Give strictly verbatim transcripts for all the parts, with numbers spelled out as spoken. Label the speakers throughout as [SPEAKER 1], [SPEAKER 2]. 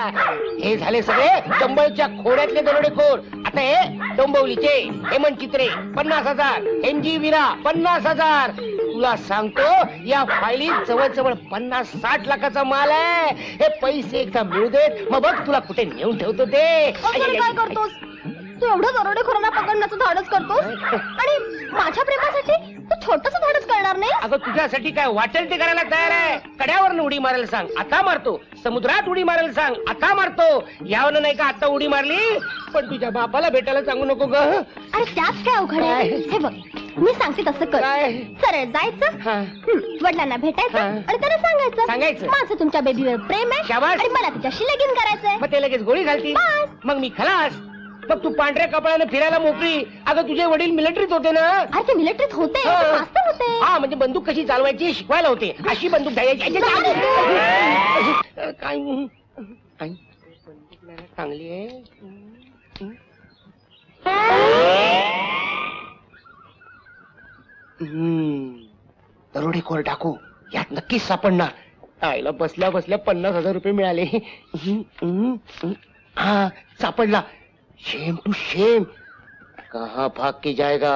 [SPEAKER 1] हे झाले सगळे डंबळच्या खोड्यातले दरोडेखोर. आता हे डोंबिवलीचे हेमंत चित्रे पन्नास हजार, एम जी विरा पन्नास हजार. तुला सांगतो या फायलीत जवळजवळ पन्नास साठ लाखाचा माल आहे. हे पैसे एकदा मिळू देत मग बघ तुला कुठे नेऊन ठेवतो ते.
[SPEAKER 2] काय करतोस तू? एवढं दरोडेखोरांना पकडण्याचं धाडस करतोस आणि माझ्या प्रेमासाठी तू छोटस धाडस करणार नाही?
[SPEAKER 1] अगं तुझ्यासाठी काय वाटेल ते करायला तयार आहे. कड्यावर उडी मारायला सांग आता मारतो, समुद्रात उडी मारायला सांग आता मारतो. यावं नाही का आता उडी मारली पण तुझ्या बापाला भेटायला सांगू नको ग.
[SPEAKER 2] अरे त्यात काय अवघड आहे? हे बघ मी सांगते तसं कर. सरळ जायचं, वडिलांना भेटायचं आणि त्यांना सांगायचं
[SPEAKER 1] सांगायचं
[SPEAKER 2] माझं तुमच्या बेबीवर प्रेम आहे
[SPEAKER 1] शाबास.
[SPEAKER 2] आणि मला तिच्याशी लगीन करायचंय.
[SPEAKER 1] मग ते लगेच गोळी घालती. मग मी खलास. मग तू पांढऱ्या कपड्याने फिरायला मोकळी. अगं तुझे वडील मिलिटरीत होते ना?
[SPEAKER 2] अरे ते मिलिटरीत होते, मास्तर होते.
[SPEAKER 1] हा म्हणजे बंदूक कशी चालवायची शिकवायला होते. अशी बंदूक द्यायची काय चांगली आहे. दरोडेखोर टाकू यात नक्कीच सापडणार. आईला बसल्या बसल्या पन्नास हजार रुपये मिळाले. हा सापडला. शेम टू शेम. कहाँ भाग के जाएगा?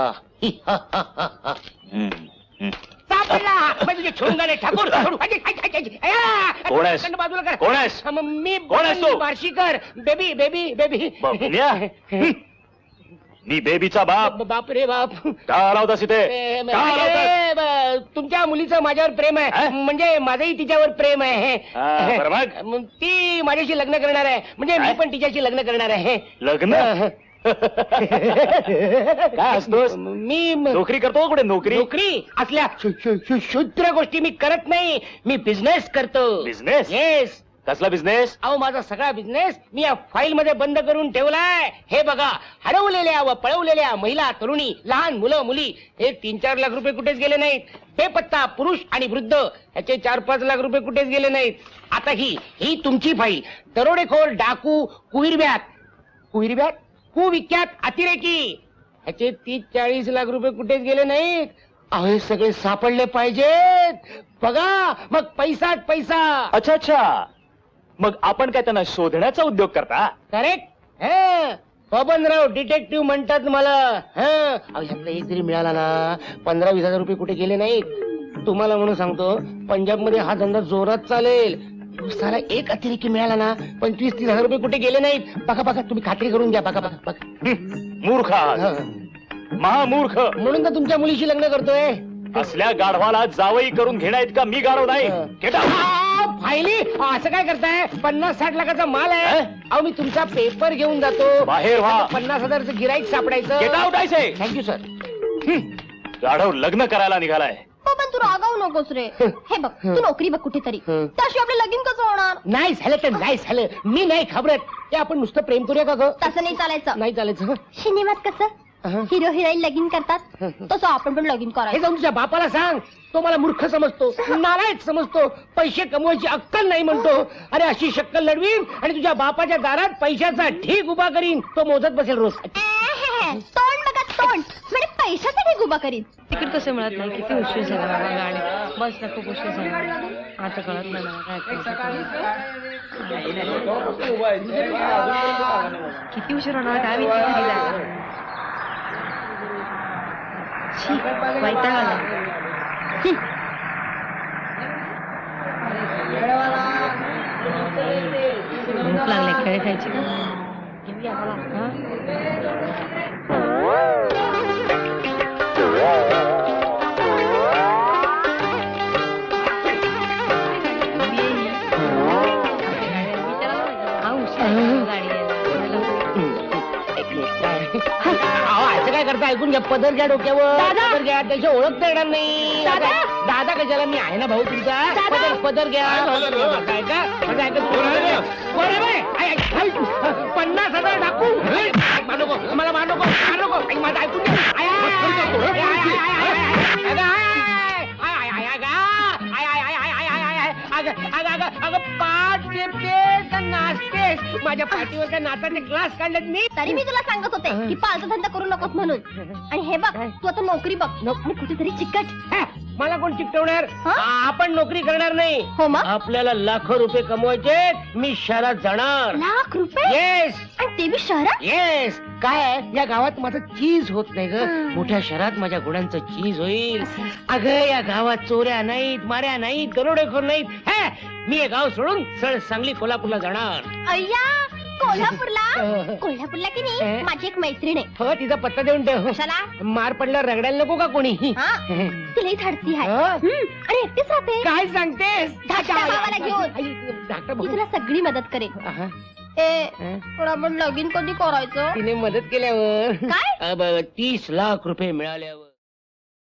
[SPEAKER 1] सापडला. मैं तुझे छोड़ूंगा नहीं ठाकुर.
[SPEAKER 3] कोण आहेस?
[SPEAKER 1] बाजूला कर.
[SPEAKER 3] कोण आहेस?
[SPEAKER 1] मी
[SPEAKER 3] कोण आहेस तू?
[SPEAKER 1] बार्शीकर. बेबी बेबी बेबी
[SPEAKER 3] मी बेबीचा बाप.
[SPEAKER 1] बाप रे बाप.
[SPEAKER 3] का आला होतास इथे? का आला होतास?
[SPEAKER 1] तुमच्या मुलीचं माझ्यावर प्रेम आहे. म्हणजे माझंही तिच्यावर प्रेम आहे.
[SPEAKER 3] हा, बरं मग?
[SPEAKER 1] मग ती माझ्याशी लग्न करणार आहे. म्हणजे मी पण तिच्याशी लग्न करणार आहे.
[SPEAKER 3] लग्न? काय असतोस?
[SPEAKER 1] मी
[SPEAKER 3] नोकरी करतो. कुठे नोकरी?
[SPEAKER 1] नोकरी असल्या शूद्र गोष्टी मी करत नाही. मी बिझनेस करतो.
[SPEAKER 3] बिझनेस?
[SPEAKER 1] येस.
[SPEAKER 3] कसला बिझनेस?
[SPEAKER 1] अहो माझा सगळा बिझनेस मी या फाईल मध्ये बंद करून ठेवलाय. हे बघा हरवलेल्या व पळवलेल्या महिला तरुणी लहान मुलं मुली हे तीन चार लाख रुपये कुठेच गेले नाहीत. बेपत्ता पुरुष आणि वृद्ध ह्याचे चार पाच लाख रुपये कुठेच गेले नाहीत. आता ही ही तुमची फाईल. दरोडेखोर डाकू कुहिरब्यात कुहिरब्यात कुविख्यात अतिरेकी ह्याचे तीस चाळीस लाख रुपये कुठेच गेले नाहीत. अहो हे सगळे सापडले पाहिजेत. बघा मग पैसाच पैसा.
[SPEAKER 3] अच्छा अच्छा. मग आपण काय त्यांना शोधण्याचा उद्योग करता?
[SPEAKER 1] करेक्ट. बबनराव डिटेक्टिव्ह म्हणतात मला. ह्यातला एक जरी मिळाला ना पंधरा वीस हजार रुपये कुठे गेले नाहीत. तुम्हाला म्हणून सांगतो पंजाब मध्ये हा धंदा जोरात चालेल. दिवसाला एक अतिरेकी मिळाला ना पंचवीस तीस हजार रुपये कुठे गेले नाहीत. बघा बघा तुम्ही खात्री करून घ्या. बघा बघा बघा.
[SPEAKER 3] मूर्ख आहात. महामूर्ख.
[SPEAKER 1] म्हणून तर तुमच्या मुलीशी लग्न करतोय.
[SPEAKER 3] असल्या गाढवाला जावई करून घेण्यात का मी गाढव नाही.
[SPEAKER 1] फायली असं काय करताय? पन्नास साठ लाखाचा माल आहे. अहो मी तुमचा पेपर घेऊन जातो.
[SPEAKER 3] बाहेर व्हा.
[SPEAKER 1] पन्नास हजारचं गिराईक सापडायचं.
[SPEAKER 3] गेट आउट आहे.
[SPEAKER 1] Thank you sir.
[SPEAKER 3] गाढव लग्न करायला निघालाय.
[SPEAKER 2] हो पण तू रागावू नकोस रे. हे बघ तू नोकरी बघ कुठेतरी. त्याशिवाय आपलं लगीन कसं होणार?
[SPEAKER 1] नाही झालं तर नाही झालं. मी नाही घाबरत. ते आपण नुसतं प्रेम करूया का ग?
[SPEAKER 2] तसं नाही चालायचं.
[SPEAKER 1] नाही चालायचं.
[SPEAKER 2] सिनेमात कसं हिरो हिरोईन लगीन करतात तसं आपण पण लगीन
[SPEAKER 1] हे
[SPEAKER 2] करायचं.
[SPEAKER 1] जाऊन तुझ्या बापाला सांग. तो मला मूर्ख समजतो, नालायक समजतो, पैसे कमवायची अक्कल नाही म्हणतो. अरे अशी शक्कल लढवीन आणि तुझ्या बापाच्या दारात पैशाचा ढीग उभा करीन. तो मोजत बसेल रोज.
[SPEAKER 2] तोंड बघा तोंड. म्हणजे पैशाचा ढीग उभा करीन.
[SPEAKER 4] तिकीट कसं मिळत नाही? किती उशीर झाला बाबा. गाडी बसला खूप उशीर झाला. आता कळत नाही मला काय किती उशीर होणार काय मी वैताग आला. भूक लागले खेळ खायची. घेऊया मला.
[SPEAKER 1] असं काय करता? ऐकून घ्या. पदर घ्या डोक्यावर. पदर घ्या. त्याची ओळख येणार नाही. दादा कशाला? मी आहे ना भाऊ तुमचा. पदर पदर घ्या. काय का पन्नास हजार टाकू. मानो मला मार नको मार नको. माझं ऐकून अगं पाच नाचतेस. माझ्या पाठीवर काय नाचाचे क्लास काढलेत मी.
[SPEAKER 2] तरी मी तुला सांगत होते की पालचा धंदा करू नकोस म्हणून. आणि हे बघ तू आता नोकरी बघ आणि कुठेतरी चिकट
[SPEAKER 1] मला कोण चिकटवणार?
[SPEAKER 2] हा?
[SPEAKER 1] आ- आपण नोकरी करणार नाही.
[SPEAKER 2] हो मग
[SPEAKER 1] आपल्याला लाखो रुपये कमवायचे. मी शहरात जाणार.
[SPEAKER 2] लाख रुपये
[SPEAKER 1] येस
[SPEAKER 2] आणि ते बी शहरात.
[SPEAKER 1] येस. काय या गावात माझं चीज होत नाही ग.
[SPEAKER 2] हं.
[SPEAKER 1] मोठ्या शहरात माझ्या गुणांचं चीज होईल. अगं या गावात चोऱ्या नाहीत, माऱ्या नाहीत, दरोडेखोर नाहीत. हे, मी हे गाव सोडून सळ सांगली कोल्हापूरला जाणार.
[SPEAKER 2] अय्या कोल्हापूरला.
[SPEAKER 1] अं.
[SPEAKER 2] कोल्हापूरला की नाही
[SPEAKER 1] अं.
[SPEAKER 2] माझी एक मैत्रीण आहे.
[SPEAKER 1] हो तिचा पत्ता देऊन ठेव.
[SPEAKER 2] कशाला?
[SPEAKER 1] मार पडल्यावर रगडायला नको का कोणी?
[SPEAKER 2] हा? तिलाही धाडसी आहे.
[SPEAKER 1] हं?
[SPEAKER 2] हं, आणि एकटीच राहते.
[SPEAKER 1] काय सांगतेस?
[SPEAKER 2] धाकट्या भावाला घेऊन.
[SPEAKER 1] आई, धाकटा
[SPEAKER 2] ती
[SPEAKER 1] भाऊ.
[SPEAKER 2] तुला सगळी मदत करेल.
[SPEAKER 1] आहा.
[SPEAKER 2] ए
[SPEAKER 1] हं?
[SPEAKER 2] पण आपण लगीन कधी करायचं?
[SPEAKER 1] तिने मदत केल्यावर
[SPEAKER 2] काय?
[SPEAKER 1] अब तीस लाख रुपये मिळाल्यावर